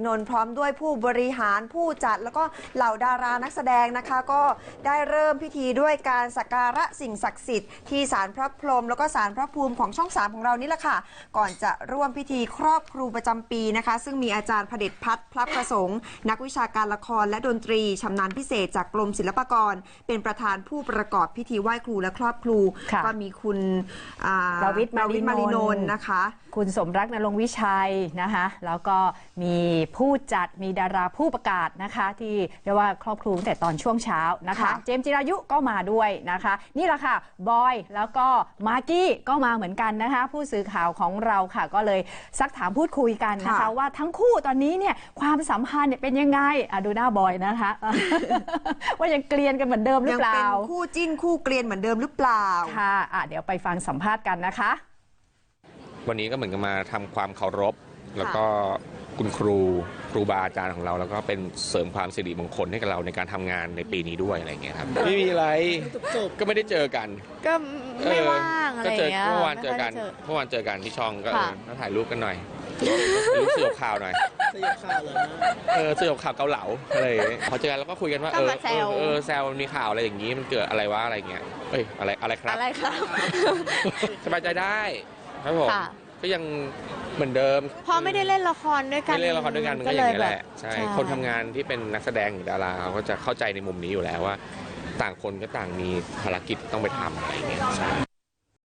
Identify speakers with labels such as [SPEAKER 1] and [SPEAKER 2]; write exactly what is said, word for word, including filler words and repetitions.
[SPEAKER 1] นนท์พร้อมด้วยผู้บริหารผู้จัดแล้วก็เหล่าดารานักแสดงนะคะก็ได้เริ่มพิธีด้วยการสักการะสิ่งศักดิ์สิทธิ์ที่ศาลพระพรหมแล้วก็ศาลพระภูมิของช่องสามของเรานี่แหละค่ะก่อนจะร่วมพิธีครอบครูประจำปีนะคะซึ่งมีอาจารย์เผด็จพัฒน์พระประสงค์นักวิชาการละครและดนตรีชำนาญพิเศษจากกรมศิลปากรเป็นประธานผู้ประกอบพิธีไหว้ครูและครอบครูก็มีคุณ
[SPEAKER 2] ประวิตรมารินนท์
[SPEAKER 1] นะคะ
[SPEAKER 2] คุณสมรักนรงค์วิชัยนะคะแล้วก็มีผู้จัดมีดาราผู้ประกาศนะคะที่เรียกว่าครอบครูตั้งแต่ตอนช่วงเช้านะคะเจมส์จิรายุก็มาด้วยนะคะนี่แหละค่ะบอยแล้วก็มากกี้ก็มาเหมือนกันนะคะผู้สื่อข่าวของเราค่ะก็เลยซักถามพูดคุยกันนะคะว่าทั้งคู่ตอนนี้เนี่ยความสัมพันธ์เนี่ยเป็นยังไงอ่ะดูหน้าบอยนะคะ ว่ายังเกลียนกันเหมือนเดิมหรือเปล่า
[SPEAKER 1] ยังเป็นคู่จิ้นคู่เกลียนเหมือนเดิมหรือเปล่า
[SPEAKER 2] ค่ะอ่ะเดี๋ยวไปฟังสัมภาษณ์กันนะคะ
[SPEAKER 3] วันนี้ก็เหมือนกับมาทำความเคารพแล้วก็คุณครูครูบาอาจารย์ของเราแล้วก็เป็นเสริมความสิริมงคลให้กับเราในการทำงานในปีนี้ด้วยอะไรอย่างเงี้ยครับไม่มีอะไรก็ไม่ได้เจอกัน
[SPEAKER 4] ก็ไม่ว่างอะไรอย่างเงี้ย
[SPEAKER 3] เมื่อวานเจอกันเมื่อวานเจอกันที่ช่องก็เออถ่ายรูปกันหน่อยรู้สึกข่าวหน่อย
[SPEAKER 4] สยบข่าวเลยนะ
[SPEAKER 3] เออสยบข่าวเกาเหลาอะไรพอเจอกันแล้วก็คุยกันว่าเออเออแซวมีข่าวอะไรอย่างงี้มันเกิดอะไรวะอะไรเงี้ยเอ้ยอะไรอะไรครับ
[SPEAKER 4] อะไรครับ
[SPEAKER 3] สบายใจได้ครับผมก็ยังเหมือนเดิม
[SPEAKER 4] พอไม่ได้เล่นละครด้วยกัน
[SPEAKER 3] ไม่เล่นละครด้วยกันมันก็อย่างนี้แหละใช่คนทำงานที่เป็นนักแสดงหรือดาราเขาก็จะเข้าใจในมุมนี้อยู่แล้วว่าต่างคนก็ต่างมีภารกิจต้องไปทำอะไรอย่างเงี้ย